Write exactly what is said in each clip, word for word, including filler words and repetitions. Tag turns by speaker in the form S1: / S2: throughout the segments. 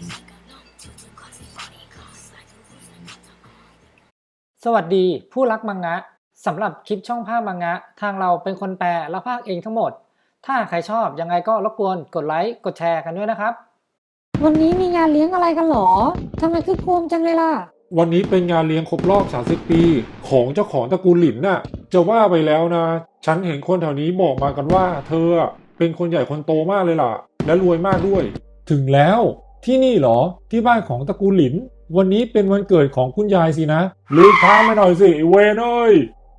S1: สวัสดีผู้รักมังงะสำหรับคลิปช่องภาพมังงะทางเราเป็นคนแปลและพากย์เองทั้งหมดถ้าใครชอบยังไงก็รบกวนกดไลค์กดแชร์กันด้วยนะครับ
S2: วันนี้มีงานเลี้ยงอะไรกันหรอทำไมคึกโครมจังเลยล่ะ
S3: วันนี้เป็นงานเลี้ยงครบรอบสามสิบปีของเจ้าของตระกูลหลินน่ะจะว่าไปแล้วนะฉันเห็นคนแถวนี้บอกมากันว่าเธอเป็นคนใหญ่คนโตมากเลยล่ะและรวยมากด้วยถึงแล้วที่นี่เหรอที่บ้านของตระกูลหลินวันนี้เป็นวันเกิดของคุณยายสินะรีบพามาหน่อยสิเวนเอ้ย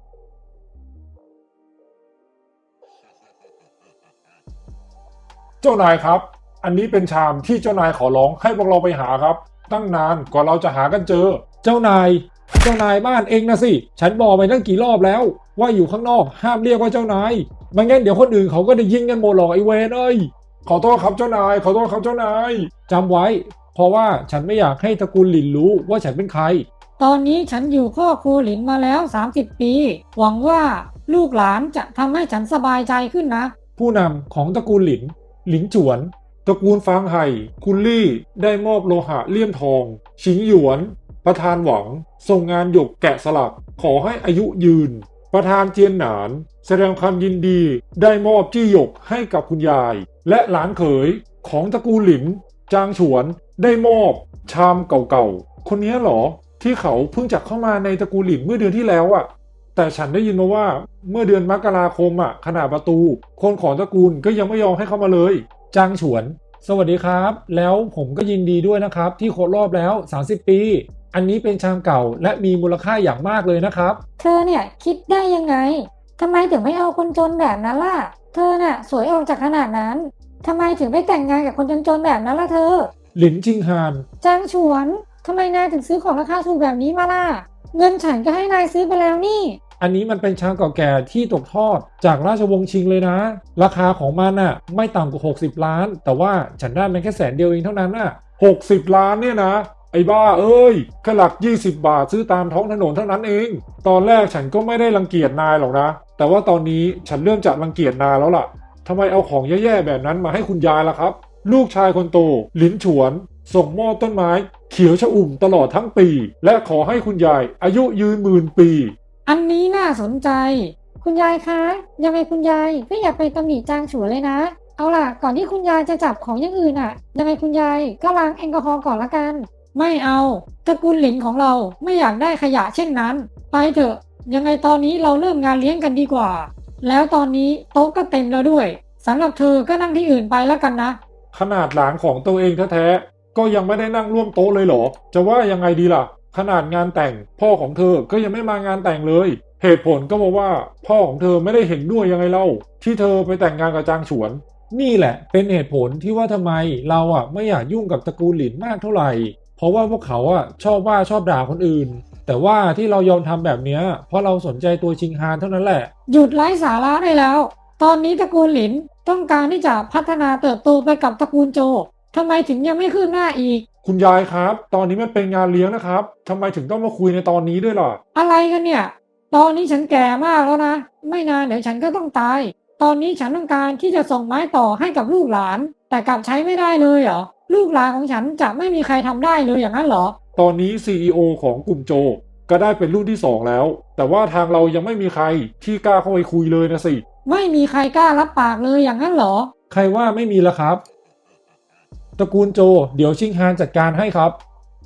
S3: เจ้านายครับอันนี้เป็นชามที่เจ้านายขอร้องให้พวกเราไปหาครับตั้งนานกว่าเราจะหากันเจอเจ้านายเจ้านายบ้านเองนะสิฉันบอกไปตั้งกี่รอบแล้วว่าอยู่ข้างนอกห้ามเรียกว่าเจ้านายไม่งั้นเดี๋ยวคนอื่นเขาก็ได้ยิงกันหมดหรอกไอเวนเอ้ยขอโทษครับเจ้านายขอโทษครับเจ้านายจำไว้เพราะว่าฉันไม่อยากให้ตระกูลหลินรู้ว่าฉันเป็นใคร
S2: ตอนนี้ฉันอยู่ครอบครัวหลินมาแล้วสามสิบปีหวังว่าลูกหลานจะทำให้ฉันสบายใจขึ้นนะ
S3: ผู้นำของตระกูลหลินหลินฉวนตระกูลฟางไห่คุณลี่ได้มอบโลหะเลี่ยมทองชิงหยวนประธานหวังส่งงานหยกแกะสลักขอให้อายุยืนประธานเจียนหนานแสดงความยินดีได้มอบจี้หยกให้กับคุณยายและหลานเขยของตระกูลหลินจางฉวนได้มอบชามเก่าๆคนนี้เหรอที่เขาเพิ่งจักเข้ามาในตระกูลหลินเมื่อเดือนที่แล้วอะแต่ฉันได้ยินมาว่าเมื่อเดือนมกราคมอะขนาดประตูคนของตระกูลก็ยังไม่ยอมให้เข้ามาเลยจางฉวนสวัสดีครับแล้วผมก็ยินดีด้วยนะครับที่ครบรอบแล้วสามสิบปีอันนี้เป็นชามเก่าและมีมูลค่าอย่างมากเลยนะครับ
S2: เธอเนี่ยคิดได้ยังไงทำไมถึงไม่เอาคนจนแบบนั้นล่ะเธอน่ะสวยออกจากขนาดนั้นทำไมถึงไม่แต่งงานกับคนจนๆแบบนั้นล่ะเธอ
S3: หลินจิงฮาน
S2: จางฉวนทำไมนายถึงซื้อของราคาถูกแบบนี้มาล่ะเงินฉันก็ให้นายซื้อไปแล้วนี่
S3: อันนี้มันเป็นชามเก่าแก่ที่ตกทอดจากราชวงศ์ชิงเลยนะราคาของมันน่ะไม่ต่ำกว่าหกสิบล้านแต่ว่าฉันได้มันแค่แสนเดียวเองเท่านั้นน่ะหกสิบล้านเนี่ยนะไอ้บ้าเอ้ยแค่หลักยี่สิบบาทซื้อตามท้องถนนเท่านั้นเองตอนแรกฉันก็ไม่ได้รังเกียจนายหรอกนะแต่ว่าตอนนี้ฉันเริ่มจะรังเกียจนายแล้วล่ะทำไมเอาของแย่ๆแบบนั้นมาให้คุณยายล่ะครับลูกชายคนโตหลินฉวนส่งมอบต้นไม้เขียวชอุ่มตลอดทั้งปีและขอให้คุณยายอายุยืนหมื่นปี
S2: อันนี้น่าสนใจคุณยายคะยังไงคุณยายก็อย่าไปตำหนิจางฉวนเลยนะเอาล่ะก่อนที่คุณยายจะจับของอย่างอื่นอ่ะยังไงคุณยายก็ล้างแอลกอฮอล์ก่อนละกันไม่เอาตระกูลหลินของเราไม่อยากได้ขยะเช่นนั้นไปเถอะยังไงตอนนี้เราเริ่มงานเลี้ยงกันดีกว่าแล้วตอนนี้โต๊ะก็เต็มแล้วด้วยสำหรับเธอก็นั่งที่อื่นไปแล้วกันนะ
S3: ขนาดหลานของตัวเองแท้ๆก็ยังไม่ได้นั่งร่วมโต๊ะเลยเหรอจะว่ายังไงดีล่ะขนาดงานแต่งพ่อของเธอก็ยังไม่มางานแต่งเลยเหตุผลก็บอกว่าพ่อของเธอไม่ได้เห็นด้วยยังไงเล่าที่เธอไปแต่งงานกับจางฉวนนี่แหละเป็นเหตุผลที่ว่าทำไมเราอ่ะไม่อยากยุ่งกับตระกูลหลินมากเท่าไหร่เพราะว่าพวกเขาอ่ะชอบว่าชอบด่าคนอื่นแต่ว่าที่เรายอมทำแบบนี้เพราะเราสนใจตัวชิงฮานเท่านั้นแหละ
S2: หยุดไร้สาระได้แล้วตอนนี้ตระกูลหลินต้องการที่จะพัฒนาเติบโตไปกับตระกูลโจทำไมถึงยังไม่คืบหน้าอีก
S3: คุณยายครับตอนนี้มันเป็นงานเลี้ยงนะครับทำไมถึงต้องมาคุยในตอนนี้ด้วยล่ะ
S2: อะไรกันเนี่ยตอนนี้ฉันแก่มากแล้วนะไม่นานเดี๋ยวฉันก็ต้องตายตอนนี้ฉันต้องการที่จะส่งไม้ต่อให้กับลูกหลานแต่กลับใช้ไม่ได้เลยเหรอลูกหลานของฉันจะไม่มีใครทำได้เลยอย่างนั้นเหรอ
S3: ตอนนี้ ซี อี โอ ของกลุ่มโจก็ได้เป็นรุ่นที่สองแล้วแต่ว่าทางเรายังไม่มีใครที่กล้าเข้าไปคุยเลยนะสิ
S2: ไม่มีใครกล้ารับปากเลยอย่างนั้นเหรอ
S3: ใครว่าไม่มีล่ะครับตระกูลโจเดี๋ยวชิงฮานจัดการให้ครับ